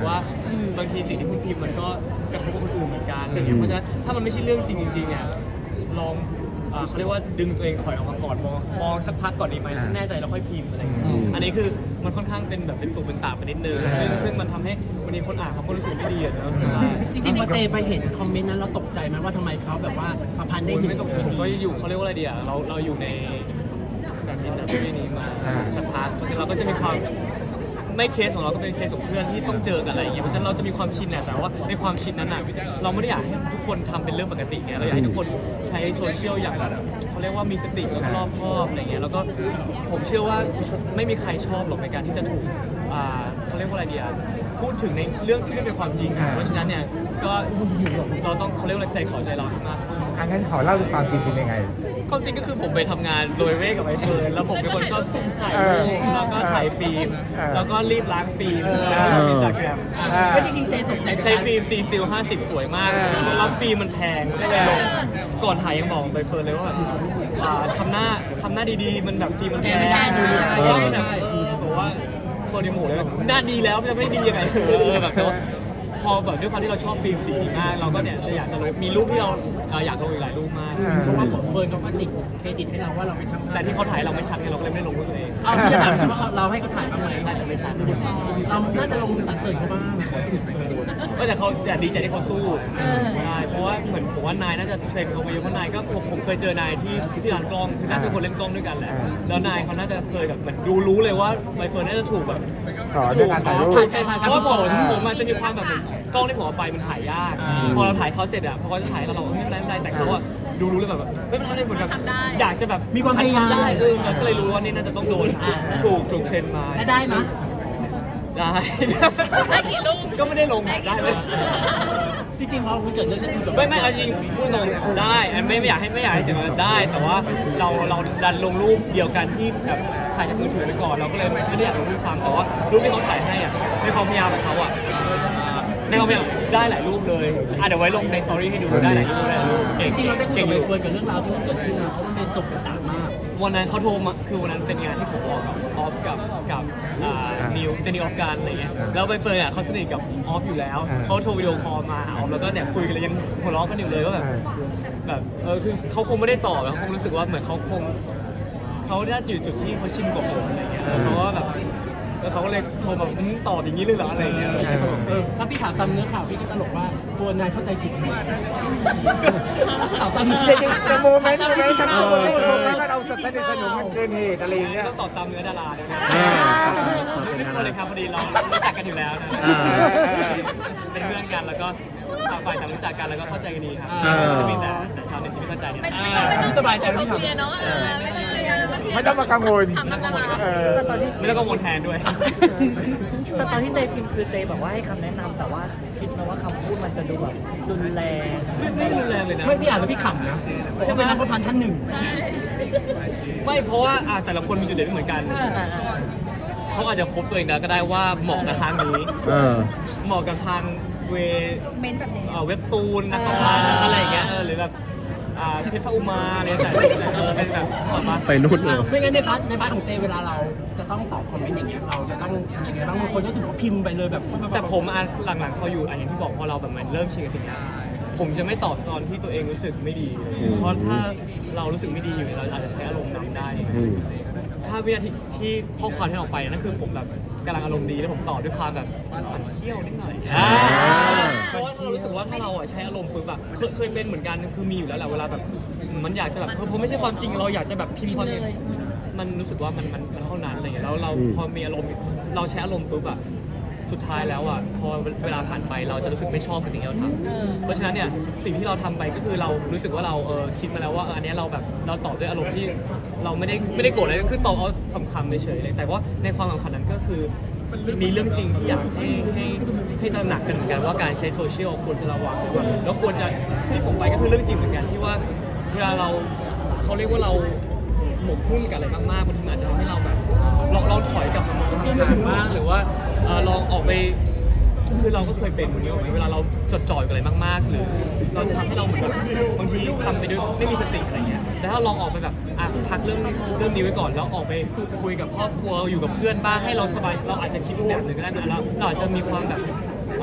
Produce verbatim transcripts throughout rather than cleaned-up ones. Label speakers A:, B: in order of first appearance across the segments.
A: ว่าบางทีสิ่งที่คุณพิมพ์มันก็กระทบกับคนอื่นเหมือนกันอะไรเงี้ยเพราะฉะนั้นถ้ามันไม่ใช่เรื่องจริงจริงๆเนี่ยลองเขาเรียกว่าดึงตัวเองถอยออกมาก่อนมองมองสักพักก่อนดีไหมแน่ใจแล้วค่อยพิมพ์อะไรอย่างเงี้ยอันนี้คือมันค่อนข้างเป็นแบบเป็นตุเป็นตาไปนิดนึงซึ่งซึ่งมันทำให้วันนี้คนอ่านเขาก็รู้สึกไม่ดีอะเนาะ
B: จริงๆพอเตไปเห็นคอมเมนต์นั้นเราตกใจไหมว่าทำไมเขาแบบว่าประพันธ์ได้ดี
A: ไม่ตกใจผมก็อยู่เขาเรียกว่าอะไรดีอะเราเราอยู่ในแบบอินดัสทรีนี้มาสักพักเพราะฉะนั้นเราก็จะมีความไม่เคสของเราก็เป็นเคสของเพื่อนที่ต้องเจอกันอะไรอย่างเงี้ยเพราะฉะนั้นเราจะมีความชินแหละแต่ว่าในความชินนั้นอ่ะเราไม่ได้อยากให้ทุกคนทำเป็นเรื่องปกติไงเราอยากให้ทุกคนใช้โซเชียลอย่างแบบเขาเรียกว่ามีสติแล้วก็รอบคอบอะไรเงี้ยแล้วก็ผมเชื่อว่าไม่มีใครชอบหรอกในการที่จะถูกอ่าเขาเรียกว่าอะไรดีอ่ะพูดถึงในเรื่องที่ไม่เป็นความจริงเพราะฉะนั้นเนี่ยก็เราต้องเขาเรียกว่าใจเขาใจเราให้มากขึ้น
C: อันนั้นขอเล่าดูความจริงเป็นยังไง
A: ความจริงก็คือผมไปทำงานโดยเว่กับไอเฟิร์นแล้วผมเป็นคนชอบถ่ายรูปแล้วก็ถ่ายฟิล์มแล้วก็รีบล้างฟิล์มแล้วก็อินสตาแกรม
B: ไม่จริงๆเตตกใจ
A: ใช้ฟิล์ม C Still ห้าสิบสวยมากแล้วฟิล์มมันแพงก็เลยลงก่อนถ่ายยังบอกไปเฟิร์นเลยว่าแบบทำหน้าทำหน้าดีๆมันแบบฟิล์มมันแพงเพราะว่าแบบบอกว่าโฟนิโมเลยหน้าดีแล้วจะไม่ดียังไงเออแบบพอแบบด้วยความที่เราชอบฟิล์มสีนี้มากเราก็เนี่ยอยากจะลงมีรูปที่เราอยากลงอีกหลายรูปมาก
B: เพราะว่าผมเฟิร์นเขาก็ติดเครดิตให้เราว่าเราเป็นช่างภาพ
A: แต่ที่เขาถ่ายเราไม่ชัดไงเราก็เลยไม่ลงรูปตัวเอง
B: เอาที่จะถามว่าเราให้เขาถ่ายบ้างไหม
A: ใช่แต่ไม่ชัด
B: เราน่าจะลงสรรเสริญเขาบ้าง
A: ก็แต่เขาอยากดีใจที่เขาสู้ใช่เพราะว่าเหมือนผมว่านายน่าจะเทรนเขาไปเยอะเพราะนายก็ผมผมเคยเจอนายที่ที่ร้านกล้องคือน่าจะคนเล่นกล้องด้วยกันแหละแล้วนายเขาน่าจะเคยแบบเหมือนดูรู้เลยว่าใบเฟิร์นน่าจะถูกแบบ
C: สอนด้วยการถ่ายรูป
A: เพราะว่าผมผมมันจะมีความแบบกล้องที่ผมเอาไปมันถ่ายยากพอเราถ่ายเขาเสร็จอ่ะพอเขาจะถ่ายเราเราไม่เป็นไรไม่เป็นไรแต่เขาอะดูรู้เลยแบบไม่เป็นไรเหมือนแบบอยากจะแบบ
B: มีความพยายาม
A: ได้เออก็เลยรู้ว่านี่น่าจะต้องโดนถูกถูกเทรนมา
B: ได้ไหม
A: ได้
D: ได้กี่รูป
A: ก็ไม่ได้ลงได้เลย
B: จริงๆพอมันเกิดเรื่องนี้
A: ไม่ไม่เอาจริงพูดตรงได้ไม่ไม่อยากให้ไม่อยากให้เสียมันได้แต่ว่าเราเราดันลงรูปเดียวกันที่แบบถ่ายจากมือถือไปก่อนเราก็เลยไม่ได้อยากลงรูปซ้ำแต่ว่ารูปที่เขาถ่ายให้อ่ะในความพยายามของเขาอ่ะในความพยายามได้หลายรูปเลยอ่ะเดี๋ยวไว้ลงในสตอรี่ให้ดูได้หลายรูปเลย
B: จริงๆเราได้คุยกับเฟิร์นกับเรื่องราวที่มันเกิดขึ้นนะเพราะมันเป็นตกกระตามาก
A: วันนั้นเขาโทรมาคือวันนั้นเป็นงานที่ผมออกกับออฟกับกับนิวเป็นนิวออฟกันอะไรเงี้ยแล้วใบเฟิร์นอ่ะเขาสนิทกับออฟอยู่แล้วเขาโทรวิดีโอคอลมาหาออฟแล้วก็เนี่ยคุยกันเลยยังหัวเราะกันอยู่เลยว่าแบบแบบเออคือเขาคงไม่ได้ตอบแล้วเขาคงรู้สึกว่าเหมือนเขาคงเขาได้อยู่จุดที่เขาชินกับผมอะไรเงี้ยแล้วเขาก็แบบแล้วเขาก็เลยโทรมาตอบอย่างนี้เลยเหรออะไรเงี้ย
B: ถ้าพี่ถามตามเนื้อข่าวพี่ก็ตลกว่าตัวนายเข้าใจผิดถามตามเนื้อ
C: จริงๆจะโมเมนต์โมเมนต์ทั้งหมดเราจะสนิทสนมมันเกินเหตุอะไรอย่างเงี้ย
A: ต้องตอบตามเนื้อดาราเลยนะไม่ควรเลยครับพอดีเรารู้จักกันอยู่แล้วนะเป็นเพื่อนกันแล้วก็ต่างฝ่ายต่างรู้จักกันแล้วก็เข้าใจกันดีครับจะมีแต่แต่ชาวเน็ตที่ไม่เข้าใจเนี่ย
B: สบายใจไม่
D: ต้อง
B: ทำ
D: เนาะ
C: ไม่ต้องมากังวล
A: ไม่ต้องกังวลไม่ต้องกังวลแทนด้วย
E: แต่ตอนที่เตพิมพ์คือเตบอกว่าให้คำแนะนำแต่ว่าคิดนะว่าคำพูดมันจะดูแบบรุนแรง
A: ไม่รุนแรงเลยนะ
B: ไม่พี่อ่านแล้วพี่ขำนะใช่ไหมนักพันท่านหนึ่ง
A: ไม่เพราะว่าแต่ละคนมีจุดเด่นไม่เหมือนกันเขาอาจจะพบตัวเองแล้วก็ได้ว่าเหมาะกับทางนี้เหมาะกับทางเวเว็บตูนนักพากย์อะไรอย่างเงี้ยหรือแบบเพชรพระอุมาอะไรแต่เป็นแบบ
C: ไปนู่นเลย
B: ไม่งั้นในพาร์ทในพาร์ทของเตเวลาเราจะต้องตอบคอมเมนต์อย่างเงี้ยเราจะต้องทำยังไงบ้างบางคนก็ถือว่าพิมพ์ไปเลยแบบ
A: แต่ผมอ่ะหลังๆพออยู่อย่างที่บอกพอเราแบบมันเริ่มชินกับสิ่งนี้ผมจะไม่ตอบตอนที่ตัวเองรู้สึกไม่ดีเพราะถ้าเรารู้สึกไม่ดีอยู่เราอาจจะใช้อารมณ์นำได้ถ้าวินาทีที่ข้อความที่ออกไปนั่นคือผมแบบกำลังอารมณ์ดีแล้วผมตอบด้วยความแบบมันเขี้ยวนิดหน่อยเพราะว่าเรารู้สึกว่าถ้าเราใช้อารมณ์ปุ๊บแบบเคยเป็นเหมือนกันคือมีอยู่แล้วแหละเวลาแบบมันอยากจะแบบเพราะไม่ใช่ความจริงเราอยากจะแบบพิมพ์ความจริงมันรู้สึกว่ามันมันเท่านั้นอะไรอย่างเงี้ยแล้วเราพอมีอารมณ์เราใช้อารมณ์ปุ๊บอะสุดท้ายแล้วอ่ะพอเวลาผ่านไปเราจะรู้สึกไม่ชอบกับสิ่งที่เราทำเพราะฉะนั้นเนี่ยสิ่งที่เราทำไปก็คือเรารู้สึกว่าเราเออคิดมาแล้วว่าอันนี้เราแบบเราตอบด้วยอารมณ์ที่เราไม่ได้ไม่ได้โกรธอะไรคือตอบเอาคำๆเฉยๆเลยแต่ว่าในความสำคัญนั้นก็คือมีเรื่องจริงที่อยากให้ให้ให้ตระหนักกันเหมือนกันว่าการใช้โซเชียลควรจะระวังแล้วควรจะที่ผมไปก็คือเรื่องจริงเหมือนกันที่ว่าเวลาเราเขาเรียกว่าเราหมกมุ่นกับอะไรมากๆบางทีอาจจะทำให้เราแบบลองลองถอยกลับมามองที่ห่างบ้างหรือว่าลองออกไปคือเราก็เคยเป็นอย่างนี้เวลาเราจดจ่ออยู่อะไรมากๆหรือเราจะทำให้เราเหมือนแบบบางทีทำไปด้วยไม่มีสติอะไรเงี้ยแต่ถ้าลองออกไปแบบอ่ะพักเรื่องเรื่องนี้ไว้ก่อนแล้วออกไปคุยกับครอบครัวอยู่กับเพื่อนบ้างให้เราสบายเราอาจจะคิดแบบหนึ่งก็ได้นะแล้วเราอาจจะมีความแบบ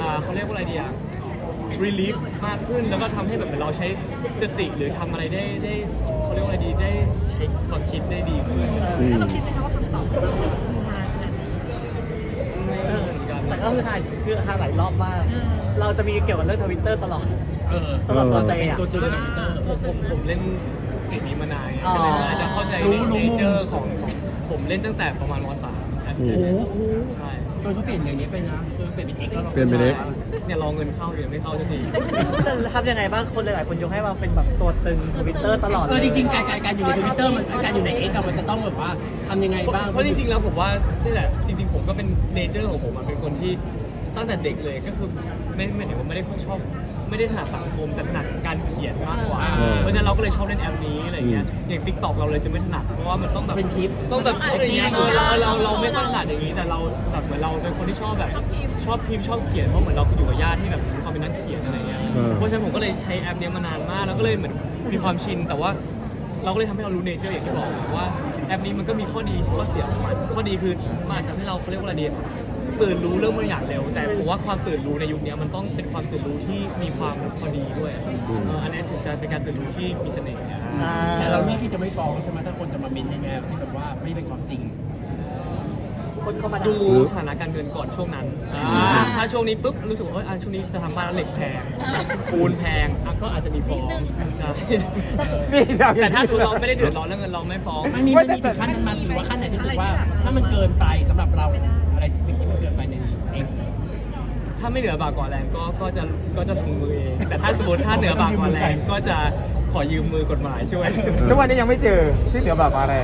A: อ่าเขาเรียกว่าอะไรดีอ่ะ relief มากขึ้นแล้วก็ทำให้แบบเหมือนเราใช้สติหรือทำอะไรได้ได้เขาเรียกว่าอะไรดีได้ใช้ความคิดได้ดีขึ้น
F: อืม
D: แล้วเราคิดไหมคะว่าคำตอบของเราจะมีฮาขนาดไหน
A: ไม่รู้เหมือนกัน
E: แต่ก็คือถ่ายคือถ่ายหลายรอบมาก
D: อืม
E: เราจะมีเกี่ยวกับเรื่องทวิตเตอร์ตลอด
B: เออ
E: ตลอดตัวเตย
B: เป็น
E: อ่ะ
B: ตัวตัวในทวิตเตอร์
A: ผมผมผมเล่นสิ่งนี้มานานไง
E: อ๋อ
A: ก็เลยอาจจะเข้าใจ
B: รู้
A: ใน
B: รู้
A: เน
B: มุม
A: เจอร์ของของผมเล่นตั้งแต่ประมาณมสามแอป
B: โอ้โห
A: ใช่
B: ตัวเขาเปลี่ยนอย่างนี้ไปนะตัวเปลี่ยนเป็นเอ็กแล้วหรอ
C: เปลี่ยนเป็น X
A: เนี่ยรอเงินเข้าอยู่ยังไม่เข้าสักที
E: จะทำยังไงบ้างคนหลายๆคนยกให้เราเป็นแบบตัวตึงทวิตเตอร์ตลอด
B: เออจริงๆการการการอยู่ในทวิตเตอร์มันการอยู่ในเอ็กมันจะต้องแบบว่าทำยังไงบ้าง
A: เพราะจริงๆแล้วผมว่านี่แหละจริง ๆ ผมก็เป็นเนเจอร์ของผมอะเป็นคนที่ตั้งแต่เด็กเลยก็คือไม่ไม่ได้ว่าไม่ได้ค่อยชอบไม่ได้ถนัดสังคมแต่ถนัดการเขียนมากกว่า เพราะฉะนั้นเราก็เลยชอบเล่นแอปนี้อะไรเงี้ยอย่าง ติ๊กต็อก เราเลยจะไม่ถนัดเพราะว่ามันต้องแบบ
B: เป็นคลิป
A: ต้องแบบพูดอย่างเงี้ยเออเราเราเราไม่ค่อยถนัดอย่างนี้แต่เราแบบเหมือนเราเป็นคนที่ชอบแบบชอบพิมพ์ชอบเขียนเพราะเหมือนเราอยู่กับญาติที่แบบมีความเป็นนักเขียนอะไรเงี้ย
C: เออ
A: เพราะฉะนั้นผมก็เลยใช้แอปเนี้ยมานานมากแล้วก็เลยเหมือนมีความชินแต่ว่า เราก็เลยทำให้เรารู้เนเจอร์อย่างที่บอกว่าแอปนี้มันก็มีข้อดีข้อเสียของมันข้อดีคือมันอาจจะทำให้เราเขาเรียกว่าอะไรดีตื่นรู้เรื่องบางอย่างเร็ว แต่ผมว่าความตื่นรู้ในยุคนี้มันต้องเป็นความตื่นรู้ที่มีความพอดีด้วยเอออันนี้ถึงจะเป็นการตื่นรู้ที่มีเสน่ห์
E: อ่า
B: แต่เราเลือกที่จะไม่ฟ้องใช่ไหมถ้าคนจะมาเม้นในแนวที่แบบว่าไม่เป็นความจริง
E: คนเข้ามา
A: ดูสถานการณ์เงินก่อนช่วงนั้นอ่าถ้าช่วงนี้ปุ๊บรู้สึกว่าเอออ่ะช่วงนี้จะทำบ้านแล้วเหล็กแพงปูนแพงอ่ะก็อาจจะมีฟ้องใช่
C: นี่เรา
A: แต่ถ้าสมมติเราไม่ได้เดือดร้อนเรื่องเงินเราไม่ฟ้อง
B: มันมีมันมีถึงขั้นนั้นมาหรือว่าขั้นไหนที่รู้สึกว่า ถ้ามันเกินไปสำหรับเราอะไรสิ่งที่มันเกินไปในเอง
A: ถ้าไม่เหนือบากกว่าแรงก็ก็จะก็จะถึงมือเอง แต่ถ้าสมมติถ้าเหนือบากกว่าแรงก็จะขอยืมมือกฎหมายช่วย
C: ทุกวันนี้ยังไม่เจอที่เหนือแบบอะไร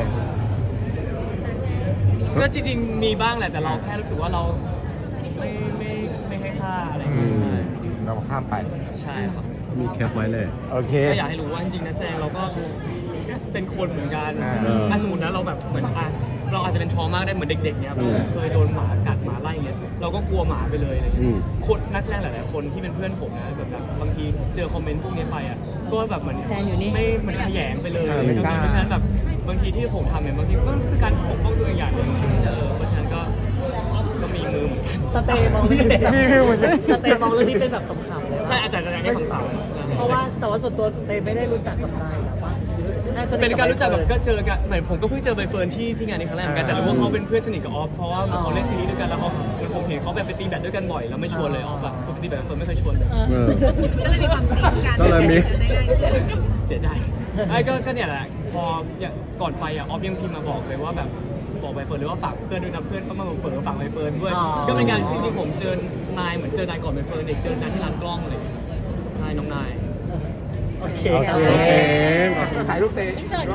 A: ก็จริงๆมีบ้างแหละแต่เราแค่รู้สึกว่าเราไม่ไม่ไม่ให้ค่าอะไรอย่าง
C: อื
A: เงี้ย
C: มเราข้ามไป
A: ใช่ใช่ครับ
C: มีแคปไว้เลย โอเค
A: ก็อยากให้รู้ว่าจริงๆนักแสดงเราก็เป็นคนเหมือนกัน
C: อ่า
A: ถ้าสมมตินะเราแบบเหมือนอ่ะเราอาจจะเป็นทรมากได้เหมือนเด็กๆเนี้ย
C: อืม
A: เคยโดนหมากัดหมาไล่เงี้ยเราก็กลัวหมาไปเลยอะไร
C: อื
A: เงี้ย
C: ม
A: คนนักแสดงหลายๆคนที่เป็นเพื่อนผมนะแบบแบบบางทีเจอคอมเมนต์พวกนี้ไปอ่ะก็แบบเหมือน
E: แฟนอยู่นี่
A: ไม่เหมือนขยงไปเลย
C: เออไม่กล้า
A: เพราะฉะนั้นแบบบางทีที่ผมทำเนี่ยบางทีก็คือการปกป้องตัวเองอย่างหนึ่งที่จะเออเพราะฉะนั้นก็ก็มีมือเหมือนกัน
E: สเตย์มองเรื่องนี้
C: มีวิวเหมือนกัน
E: สเตย์มองเรื่องนี้เป็นแบบขำๆเลย
A: ใช่
E: ว่า
A: อาจารย์จะได้คำตอบ
E: เพราะว่าแต่ว่าส่วนตัวเตยไม่ได้รู้จักกับนายหรอปะหรือน่าจะ
A: เป็นการรู้จักแบบก็เจอกันเหมือนผมก็เพิ่งเจอใบเฟิร์นที่ที่งานนี้ครั้งแรกเหมือนกันแต่รู้ว่าเขาเป็นเพื่อนสนิทกับออฟเพราะว่าเขาเล่นซีรีส์ด้วยกันแล้วเขาเหมือนผมเห็นเขาแบบไปตีแบดด้วยกันบ่อยแล้วไม่ชวนเลยออฟแบบปกติแบบเฟิร์นไม่เคยชวนเลย
E: เออ
C: เออ
D: ก็เลยมีความสิงกัน
C: ก็เลยมี
D: ได้ง่ายขึ้น
A: เสียใจไอ้ก็ก็เนี่ยแหละพออย่างก่อนไปอ่ะออฟยังพิมพ์มาบอกเลยว่าแบบบอกใบเฟิร์นเลยว่าฝากเพื่อนด้วยนะเพื่อนก็มาเปิดฝากใบเฟิร์นด้วย
E: อ๋อ
A: ก็เป็นการจริงๆผมเจอนายเหมือนเจอนายก่อนใบเฟิร์นเด็กเจอนายที่ร้านกล้องเลยนายน้องนาย
E: โอเค
C: โอ
E: ครับ
C: เคถ่ายรูปเตะ